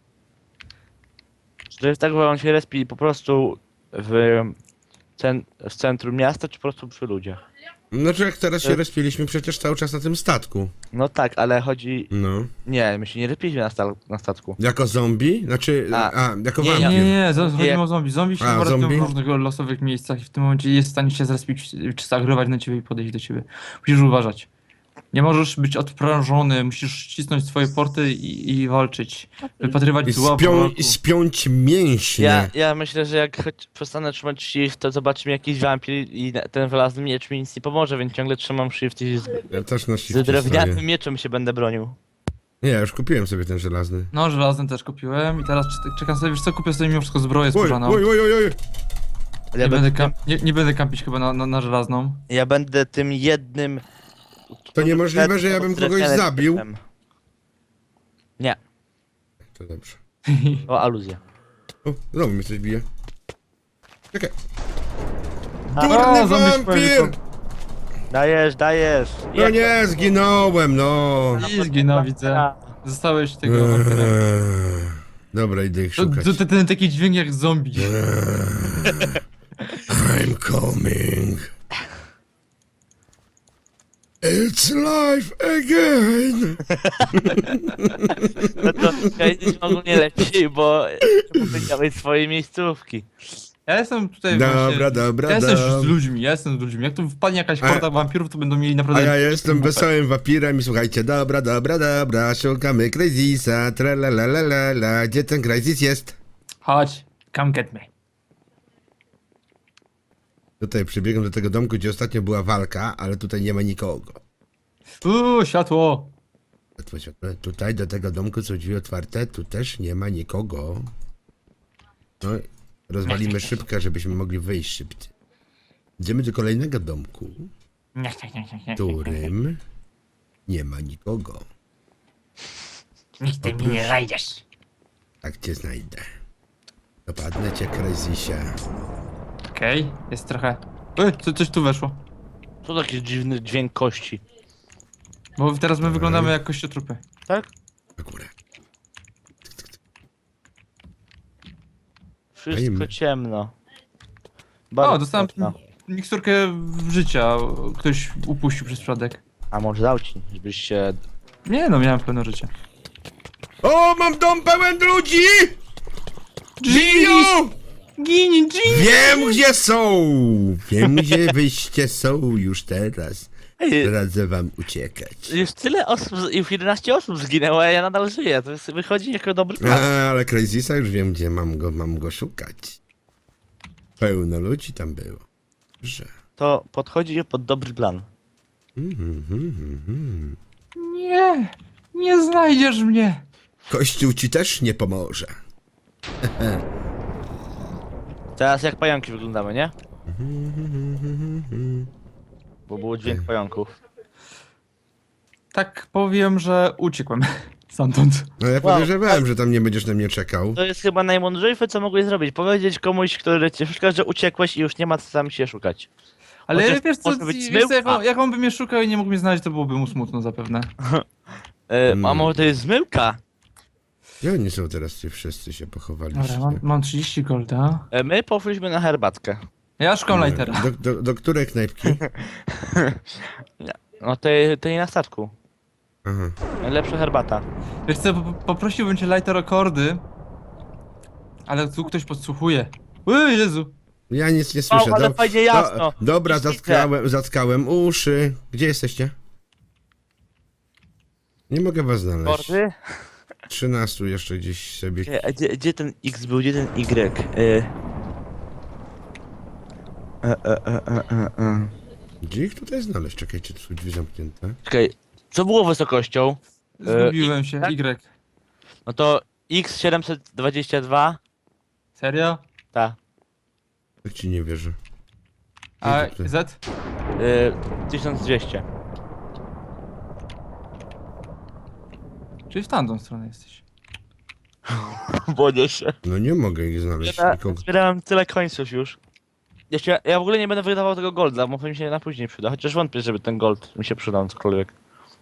[SPEAKER 3] Czy to jest tak, że on się respi po prostu w, cen, w centrum miasta, czy po prostu przy ludziach?
[SPEAKER 2] Znaczy jak teraz się
[SPEAKER 3] E-
[SPEAKER 2] respiliśmy przecież cały czas na tym statku.
[SPEAKER 3] No tak, ale chodzi...
[SPEAKER 2] No.
[SPEAKER 3] Nie, my się nie respiliśmy na, sta na statku.
[SPEAKER 2] Jako zombie? Znaczy, a,
[SPEAKER 3] A,
[SPEAKER 2] jako
[SPEAKER 3] nie,
[SPEAKER 1] Nie,
[SPEAKER 2] wampir.
[SPEAKER 1] nie, nie, zaraz
[SPEAKER 3] Nie.
[SPEAKER 1] chodzi o zombie. Zombie się
[SPEAKER 2] A,
[SPEAKER 1] chyba robią
[SPEAKER 2] zombie?
[SPEAKER 1] w różnych losowych miejscach i w tym momencie jest w stanie się zrespić, czy zaagrować na ciebie i podejść do ciebie. Musisz uważać. Nie możesz być odprężony, musisz ścisnąć swoje porty i, i walczyć. Wypatrywać
[SPEAKER 2] I,
[SPEAKER 1] zła
[SPEAKER 2] spią,
[SPEAKER 1] wrogu.
[SPEAKER 2] I spiąć mięśnie.
[SPEAKER 3] Ja, ja myślę, że jak choć przestanę trzymać shift, to zobaczymy jakiś wampir i na- ten wylazny miecz mi nic nie pomoże, więc ciągle trzymam shift i z,
[SPEAKER 2] Ja też na
[SPEAKER 3] z
[SPEAKER 2] shifcie
[SPEAKER 3] drewnianym
[SPEAKER 2] stoję.
[SPEAKER 3] mieczem się będę bronił.
[SPEAKER 2] Nie, ja już kupiłem sobie ten żelazny.
[SPEAKER 1] No, żelazny też kupiłem i teraz czek- czekam sobie, wiesz co, kupię sobie mimo wszystko zbroję
[SPEAKER 2] Oj,
[SPEAKER 1] skórzaną.
[SPEAKER 2] oj, oj, oj, oj.
[SPEAKER 3] Ale ja,
[SPEAKER 1] Nie, będę
[SPEAKER 3] będę,
[SPEAKER 1] kam- nie, nie będę kampić chyba na, na, na żelazną.
[SPEAKER 3] ja będę tym jednym...
[SPEAKER 2] To niemożliwe, że ja bym kogoś
[SPEAKER 3] drewnianym
[SPEAKER 2] zabił.
[SPEAKER 3] mieczem. Nie,
[SPEAKER 2] To dobrze.
[SPEAKER 3] o aluzja.
[SPEAKER 2] O, znowu mnie coś bije. Czekaj.
[SPEAKER 1] O,
[SPEAKER 2] Durny
[SPEAKER 1] zombie
[SPEAKER 2] wampir!
[SPEAKER 1] szpejko.
[SPEAKER 3] Dajesz, dajesz!
[SPEAKER 2] No nie, zginąłem, no.
[SPEAKER 1] I zginął, widzę. Zostałeś tego wampira.
[SPEAKER 2] Eee, Dobra, idę ich
[SPEAKER 1] To,
[SPEAKER 2] szukać.
[SPEAKER 1] to, to ten taki dźwięk jak zombie.
[SPEAKER 2] I'm coming. It's life again.
[SPEAKER 3] No to Kajdziś ogólnie lepiej, bo powiedziałeś swojej miejscówki.
[SPEAKER 1] Ja jestem tutaj
[SPEAKER 2] Dobra,
[SPEAKER 1] właśnie...
[SPEAKER 2] dobra,
[SPEAKER 1] Ja jestem już z
[SPEAKER 2] dobra.
[SPEAKER 1] ludźmi, ja jestem z ludźmi. Jak tu wpadnie jakaś
[SPEAKER 2] A-
[SPEAKER 1] horda wampirów, to będą mieli
[SPEAKER 2] A
[SPEAKER 1] naprawdę...
[SPEAKER 2] ja jestem wesołym wampirem i słuchajcie, dobra, dobra, dobra, szukamy Crazisa, tralalalala, gdzie ten Crazis jest?
[SPEAKER 1] Chodź, come get me.
[SPEAKER 2] Tutaj przybiegłem do tego domku, gdzie ostatnio była walka, ale tutaj nie ma nikogo.
[SPEAKER 1] Uuu, światło.
[SPEAKER 2] Tutaj do tego domku są drzwi otwarte, tu też nie ma nikogo. No, rozwalimy szybkę, żebyśmy mogli wyjść szybciej. Idziemy do kolejnego domku,
[SPEAKER 1] Nie, nie, nie, nie, nie.
[SPEAKER 2] w którym nie ma nikogo.
[SPEAKER 1] Nigdy mnie nie znajdziesz.
[SPEAKER 2] Tak cię znajdę. Dopadnę cię, Crazisie.
[SPEAKER 1] Okej, jest trochę... Ej, co, coś tu weszło.
[SPEAKER 3] Co taki dziwny dźwięk kości?
[SPEAKER 1] Bo teraz my wyglądamy jak kościotrupy.
[SPEAKER 3] Tak?
[SPEAKER 2] Na górę.
[SPEAKER 3] Wszystko
[SPEAKER 2] Fajnie.
[SPEAKER 3] ciemno.
[SPEAKER 1] O, dostałem
[SPEAKER 3] ciemno.
[SPEAKER 1] miksturkę życia. Ktoś upuścił przez przypadek.
[SPEAKER 3] A może dał ci, żebyś się...
[SPEAKER 1] Nie no, miałem pełne życie.
[SPEAKER 2] O, mam dom pełen ludzi! Żyją!
[SPEAKER 1] Gini, Gini!
[SPEAKER 2] Wiem, gdzie są! Wiem, gdzie wyście są już teraz.
[SPEAKER 3] Ej,
[SPEAKER 2] Radzę wam uciekać.
[SPEAKER 3] już tyle osób, z- już jedenaście osób zginęło, a ja nadal żyję. To jest, wychodzi jako dobry
[SPEAKER 2] A,
[SPEAKER 3] plan.
[SPEAKER 2] ale Crazisa już wiem, gdzie mam go, mam go szukać. Pełno ludzi tam było. Że.
[SPEAKER 3] To podchodzi pod dobry plan.
[SPEAKER 2] Mhm, mhm, mhm.
[SPEAKER 1] Nie, nie znajdziesz mnie.
[SPEAKER 2] Kościół ci też nie pomoże.
[SPEAKER 3] Teraz jak pająki wyglądamy, nie? Bo był dźwięk pająków.
[SPEAKER 1] Tak powiem, że uciekłem stamtąd.
[SPEAKER 2] No ja
[SPEAKER 3] Wow,
[SPEAKER 2] podejrzewałem, że tam nie będziesz na mnie czekał.
[SPEAKER 3] To jest chyba najmądrzejsze, co mogłeś zrobić. Powiedzieć komuś, który cię szuka, że uciekłeś i już nie ma co tam się szukać.
[SPEAKER 1] Ale
[SPEAKER 3] Chociaż
[SPEAKER 1] wiesz co,
[SPEAKER 3] może być
[SPEAKER 1] wiesz co jak,
[SPEAKER 3] zmyłka.
[SPEAKER 1] on, jak on by mnie szukał i nie mógł mnie znaleźć, to byłoby mu smutno zapewne.
[SPEAKER 3] E,
[SPEAKER 2] Hmm.
[SPEAKER 3] A może to jest zmyłka?
[SPEAKER 2] Gdzie oni są teraz, ci wszyscy się pochowaliście?
[SPEAKER 1] Dobra, mam, mam trzydzieści golda.
[SPEAKER 3] E, My poszliśmy na herbatkę.
[SPEAKER 1] Ja szukam lightera.
[SPEAKER 2] Do, do, do której knajpki?
[SPEAKER 3] No tej, tej na statku.
[SPEAKER 2] Aha.
[SPEAKER 3] Najlepsza herbata.
[SPEAKER 1] Wiesz co, po- poprosiłbym cię lighter o kordy. Ale tu ktoś podsłuchuje. Oj, Jezu.
[SPEAKER 2] Ja nic nie słyszę.
[SPEAKER 3] Wow, ale
[SPEAKER 2] Dob-
[SPEAKER 3] fajnie jasno.
[SPEAKER 2] Do, dobra,
[SPEAKER 3] Już widzę.
[SPEAKER 2] zatkałem, zatkałem uszy. Gdzie jesteście? Nie mogę was znaleźć.
[SPEAKER 3] Kordy?
[SPEAKER 2] trzynastu jeszcze gdzieś sobie.
[SPEAKER 3] Czekaj, a Gdzie, gdzie ten X był? Gdzie ten Y? E... E, e, e, e, e, e.
[SPEAKER 2] Gdzie ich tutaj znaleźć? Czekajcie, tu są drzwi zamknięte.
[SPEAKER 3] Czekaj, co było wysokością?
[SPEAKER 1] Zgubiłem się.
[SPEAKER 3] tak?
[SPEAKER 1] Y.
[SPEAKER 3] No to X siedemset dwadzieścia dwa.
[SPEAKER 1] Serio?
[SPEAKER 3] Ta.
[SPEAKER 2] Tak ci nie wierzę.
[SPEAKER 1] A
[SPEAKER 2] Tutaj.
[SPEAKER 1] Z?
[SPEAKER 3] Y, tysiąc dwieście.
[SPEAKER 1] Czyli w tamtą stronę jesteś.
[SPEAKER 3] Boję się.
[SPEAKER 2] No nie mogę ich znaleźć.
[SPEAKER 3] Ja
[SPEAKER 2] Nikogo.
[SPEAKER 3] zbierałem tyle końców już. Jeszcze, ja w ogóle nie będę wydawał tego golda, bo mi się na później przyda. Chociaż wątpię, żeby ten gold mi się przydał cokolwiek.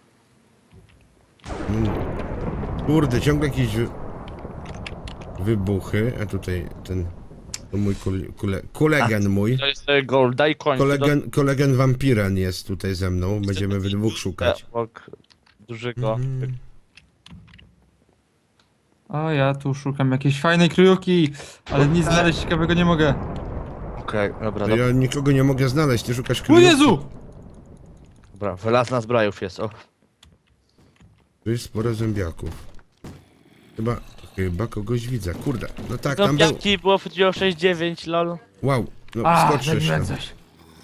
[SPEAKER 2] No, kurde, ciągle jakieś wy... wybuchy. A tutaj ten. To mój kule, kule, kulegen mój.
[SPEAKER 3] To jest e, gold, daj koń.
[SPEAKER 2] Kolegen, kolegen wampiran jest tutaj ze mną. Będziemy we dwóch szukać.
[SPEAKER 3] Obok dużego.
[SPEAKER 2] Mhm.
[SPEAKER 1] O, ja tu szukam jakiejś fajnej kryjówki, ale nic znaleźć ciekawego nie mogę.
[SPEAKER 3] Okej, dobra,
[SPEAKER 2] To
[SPEAKER 3] dobra,
[SPEAKER 2] ja nikogo nie mogę znaleźć, ty szukasz
[SPEAKER 1] O
[SPEAKER 2] kryjówki.
[SPEAKER 1] Jezu!
[SPEAKER 3] dobra. Wylazna zbrojów jest, o.
[SPEAKER 2] Tu jest sporo zombiaków. Chyba, chyba kogoś widzę. Kurde, no tak, tam był.
[SPEAKER 3] Zombiaki było w sześć dziewięć, lol.
[SPEAKER 2] Wow, no
[SPEAKER 1] A,
[SPEAKER 2] skoczysz
[SPEAKER 1] zabiłem
[SPEAKER 2] tam.
[SPEAKER 1] coś.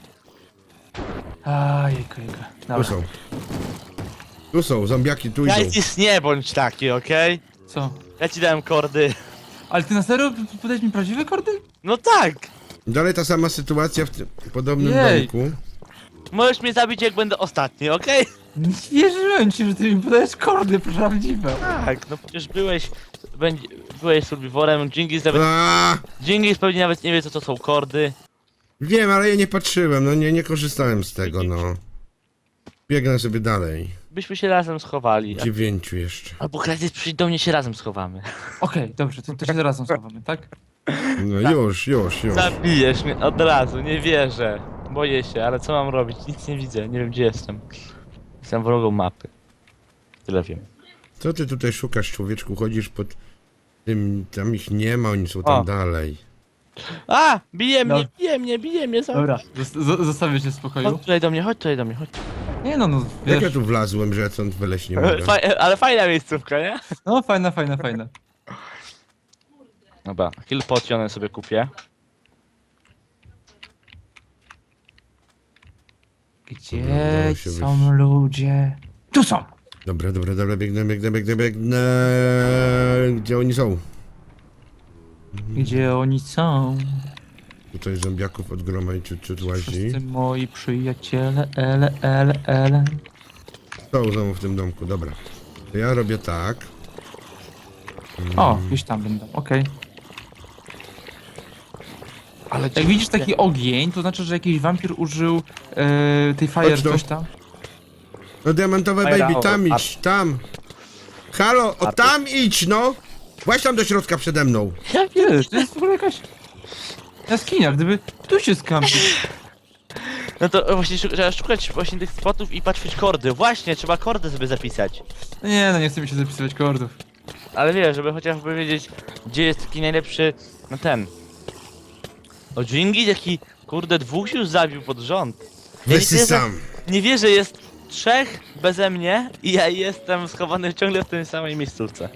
[SPEAKER 1] A, jejku, jejku.
[SPEAKER 2] Tu
[SPEAKER 1] Dobra,
[SPEAKER 2] są. Tu są, zombiaki tu idą.
[SPEAKER 3] Jajcis, nie bądź taki, okej?
[SPEAKER 1] co?
[SPEAKER 3] Ja ci dałem kordy.
[SPEAKER 1] Ale ty na serio p- podałeś mi prawdziwe kordy?
[SPEAKER 3] No tak!
[SPEAKER 2] Dalej ta sama sytuacja w tym podobnym
[SPEAKER 1] Jej.
[SPEAKER 2] domku.
[SPEAKER 3] Możesz mnie zabić jak będę ostatni, okej?
[SPEAKER 1] Nie wierzyłem ci, że ty mi podajesz kordy prawdziwe.
[SPEAKER 3] Tak, no przecież byłeś... Będzie, byłeś survivorem, Dżingis nawet...
[SPEAKER 2] A,
[SPEAKER 3] Dżingis pewnie nawet nie wie co to są kordy.
[SPEAKER 2] wiem, ale ja nie patrzyłem, no nie, nie korzystałem z tego, no. Biegnę sobie dalej.
[SPEAKER 3] Byśmy się razem schowali.
[SPEAKER 2] Dziewięciu jeszcze.
[SPEAKER 3] Albo Kratis przyjdź do mnie, się razem schowamy.
[SPEAKER 1] Okej, dobrze, to, to się razem schowamy, tak?
[SPEAKER 2] No już, już, już.
[SPEAKER 3] Zabijesz mnie od razu, nie wierzę. Boję się, ale co mam robić? Nic nie widzę, nie wiem gdzie jestem. Jestem wrogą mapy. Tyle wiem.
[SPEAKER 2] Co ty tutaj szukasz, człowieczku? Chodzisz pod tym, tam ich nie ma, oni są tam
[SPEAKER 3] O.
[SPEAKER 2] dalej.
[SPEAKER 3] A! Bije mnie,
[SPEAKER 1] No.
[SPEAKER 3] bije mnie, bije mnie, za...
[SPEAKER 1] Dobra, zos- zo- zostawię cię w spokoju.
[SPEAKER 3] Chodź tutaj do mnie, chodź tutaj do mnie, chodź.
[SPEAKER 1] Nie no, no
[SPEAKER 2] Jak ja
[SPEAKER 1] wiesz,
[SPEAKER 2] tu wlazłem, że ja stąd wyleźć nie mogę?
[SPEAKER 3] Faj, ale fajna miejscówka, nie?
[SPEAKER 1] no fajna, fajna, fajna.
[SPEAKER 3] Dobra, kill potion sobie kupię.
[SPEAKER 1] Gdzie
[SPEAKER 2] Udało się
[SPEAKER 1] są
[SPEAKER 2] wyjść.
[SPEAKER 1] ludzie? Tu są!
[SPEAKER 2] Dobra, dobra, dobra, biegnę, biegnę, biegnę, biegnę. Gdzie oni są?
[SPEAKER 1] Gdzie oni są?
[SPEAKER 2] Tutaj zombiaków od groma i ciut, ciut łazi.
[SPEAKER 1] Wszyscy moi przyjaciele, ele, ele, ele.
[SPEAKER 2] Są znowu w tym domku, dobra. To ja robię tak.
[SPEAKER 1] O, gdzieś tam będą, okej.
[SPEAKER 3] Ale
[SPEAKER 1] Jak widzisz taki ogień, to znaczy, że jakiś wampir użył e, tej fire
[SPEAKER 2] Chodź tu.
[SPEAKER 1] coś tam.
[SPEAKER 2] No diamentowe
[SPEAKER 3] Fajra,
[SPEAKER 2] baby, tam
[SPEAKER 3] o,
[SPEAKER 2] idź, tam. Halo, o
[SPEAKER 3] Arty.
[SPEAKER 2] tam idź, no. Właśnie tam do środka przede mną.
[SPEAKER 1] Ja wiesz, to jest w ogóle jakaś jaskinia, gdyby tu się skampił.
[SPEAKER 3] No to właśnie szu- trzeba szukać właśnie tych spotów i patrzeć kordy. Właśnie, trzeba kordy sobie zapisać.
[SPEAKER 1] No nie, no nie chcę mi się zapisywać kordów.
[SPEAKER 3] Ale wiesz, żeby chociażby wiedzieć, gdzie jest taki najlepszy, no ten. O Dżingis, jaki, kurde, dwóch się już zabił pod rząd. Ja
[SPEAKER 2] Weź
[SPEAKER 3] nie wierzę,
[SPEAKER 2] sam.
[SPEAKER 3] nie wierzę, jest trzech beze mnie i ja jestem schowany ciągle w tej samej miejscówce.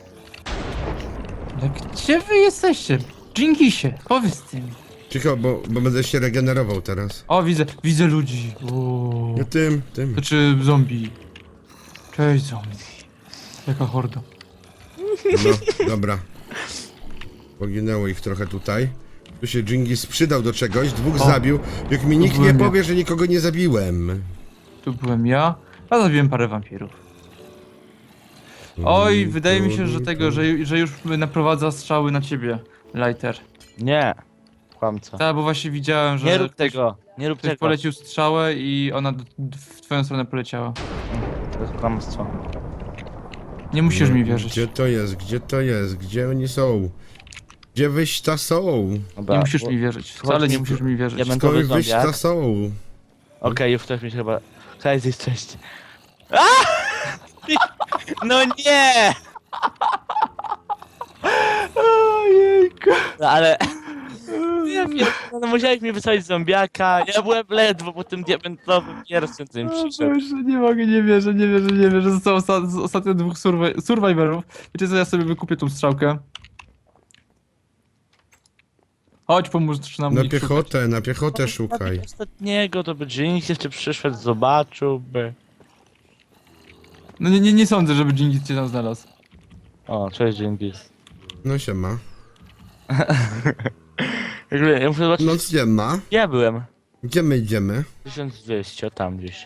[SPEAKER 1] No gdzie wy jesteście? Dżingisie, powiedz tym.
[SPEAKER 2] Cicho, bo, bo będę się regenerował teraz.
[SPEAKER 1] O, widzę, widzę ludzi. O,
[SPEAKER 2] No tym, tym.
[SPEAKER 1] znaczy zombie. Cześć zombie. Jaka horda.
[SPEAKER 2] No, dobra. Poginęło ich trochę tutaj. Tu się Dżingis przydał do czegoś, dwóch
[SPEAKER 1] O,
[SPEAKER 2] zabił. Jak mi nikt nie
[SPEAKER 1] byłem ja.
[SPEAKER 2] powie, że nikogo nie zabiłem.
[SPEAKER 1] Tu byłem ja, a zabiłem parę wampirów. Oj, wydaje mi się, że tego, że, że już naprowadza strzały na ciebie, Lighter.
[SPEAKER 3] Nie. Kłamca.
[SPEAKER 1] Tak, bo właśnie widziałem, że
[SPEAKER 3] Nie rób
[SPEAKER 1] ktoś,
[SPEAKER 3] tego, nie rób
[SPEAKER 1] ktoś
[SPEAKER 3] tego.
[SPEAKER 1] polecił strzałę i ona do, w twoją stronę poleciała.
[SPEAKER 3] To jest kłamstwo.
[SPEAKER 1] Nie musisz
[SPEAKER 2] No,
[SPEAKER 1] mi wierzyć.
[SPEAKER 2] Gdzie to jest, gdzie to jest, gdzie oni są? Gdzie wyś ta są?
[SPEAKER 3] Dobra,
[SPEAKER 1] Nie musisz
[SPEAKER 3] bo-
[SPEAKER 1] mi wierzyć. Wcale nie musisz mi wierzyć.
[SPEAKER 3] Diamentowy
[SPEAKER 2] Skąd wyś
[SPEAKER 3] zombiak.
[SPEAKER 2] ta są?
[SPEAKER 3] Okej, już ktoś mi się chyba... Hej, zjeść cześć. A! No nie!
[SPEAKER 1] Ojejku.
[SPEAKER 3] No, ale... Ja wiem, no musiałeś mi wysłać zombiaka, ja byłem ledwo po tym diamentowym pierwszym, co im
[SPEAKER 1] O
[SPEAKER 3] przyszedł.
[SPEAKER 1] Boże, nie mogę, nie wierzę, nie wierzę, nie wierzę. Zostało osta z ostatnio dwóch survi survivorów. Wiecie co, ja sobie wykupię tą strzałkę. Chodź, pomóż nam
[SPEAKER 2] Na
[SPEAKER 1] ich szukać.
[SPEAKER 2] piechotę, na piechotę szukaj.
[SPEAKER 3] Ostatniego to by Jinx jeszcze przyszedł, zobaczyłby.
[SPEAKER 1] No nie, nie, nie sądzę, żeby Dżingis cię tam znalazł.
[SPEAKER 3] O, cześć Jinx.
[SPEAKER 2] No się ma.
[SPEAKER 3] Jakby, ja muszę zobaczyć,
[SPEAKER 2] No gdzie ma?
[SPEAKER 3] ja byłem.
[SPEAKER 2] Gdzie my idziemy?
[SPEAKER 3] tysiąc dwieście, o tam gdzieś.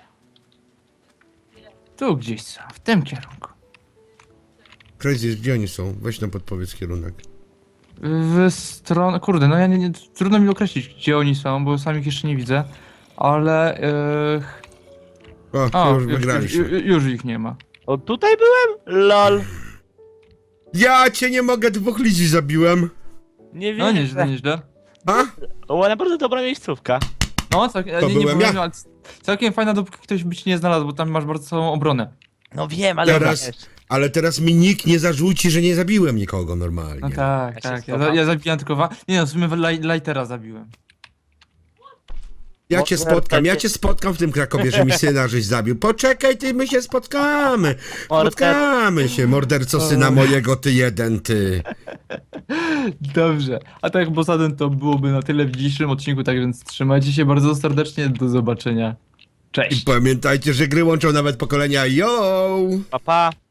[SPEAKER 1] Tu gdzieś są, w tym kierunku.
[SPEAKER 2] Crazy, gdzie oni są? Weź nam podpowiedz kierunek.
[SPEAKER 1] W stronę, kurde, no ja nie, nie, trudno mi określić, gdzie oni są, bo sam ich jeszcze nie widzę. Ale, yy...
[SPEAKER 2] O,
[SPEAKER 1] o,
[SPEAKER 2] już
[SPEAKER 1] już,
[SPEAKER 2] wygraliśmy.
[SPEAKER 1] już, już ich nie ma.
[SPEAKER 3] O, tutaj byłem? Lol.
[SPEAKER 2] Ja cię nie mogę, dwóch ludzi zabiłem.
[SPEAKER 3] Nie wiem.
[SPEAKER 1] No nieźle, nieźle.
[SPEAKER 2] A?
[SPEAKER 3] O, naprawdę dobra miejscówka.
[SPEAKER 1] No, całkiem,
[SPEAKER 2] To
[SPEAKER 1] nie, nie
[SPEAKER 2] byłem
[SPEAKER 1] powiem,
[SPEAKER 2] ja.
[SPEAKER 1] ale całkiem fajna, dopóki ktoś by ci nie znalazł, bo tam masz bardzo całą obronę.
[SPEAKER 3] No wiem, ale...
[SPEAKER 2] Teraz, ale teraz mi nikt nie zarzuci, że nie zabiłem nikogo normalnie.
[SPEAKER 1] No tak,
[SPEAKER 3] Ja się
[SPEAKER 1] tak, ja,
[SPEAKER 3] schowam.
[SPEAKER 1] za- ja zabijam tylko wa... Nie no, w sumie Laj- Lightera zabiłem.
[SPEAKER 2] Ja cię
[SPEAKER 3] Może
[SPEAKER 2] spotkam, ja
[SPEAKER 3] takie-
[SPEAKER 2] cię spotkam w tym Krakowie, że mi syna żeś zabił. Poczekaj, ty, my się spotkamy. Spotkamy się, morderco syna mojego, ty jeden, ty.
[SPEAKER 1] Dobrze, a tak poza tym to byłoby na tyle w dzisiejszym odcinku, tak więc trzymajcie się bardzo serdecznie, do zobaczenia.
[SPEAKER 2] I
[SPEAKER 1] Cześć!
[SPEAKER 2] pamiętajcie, że gry łączą nawet pokolenia, yo!
[SPEAKER 3] Pa, pa.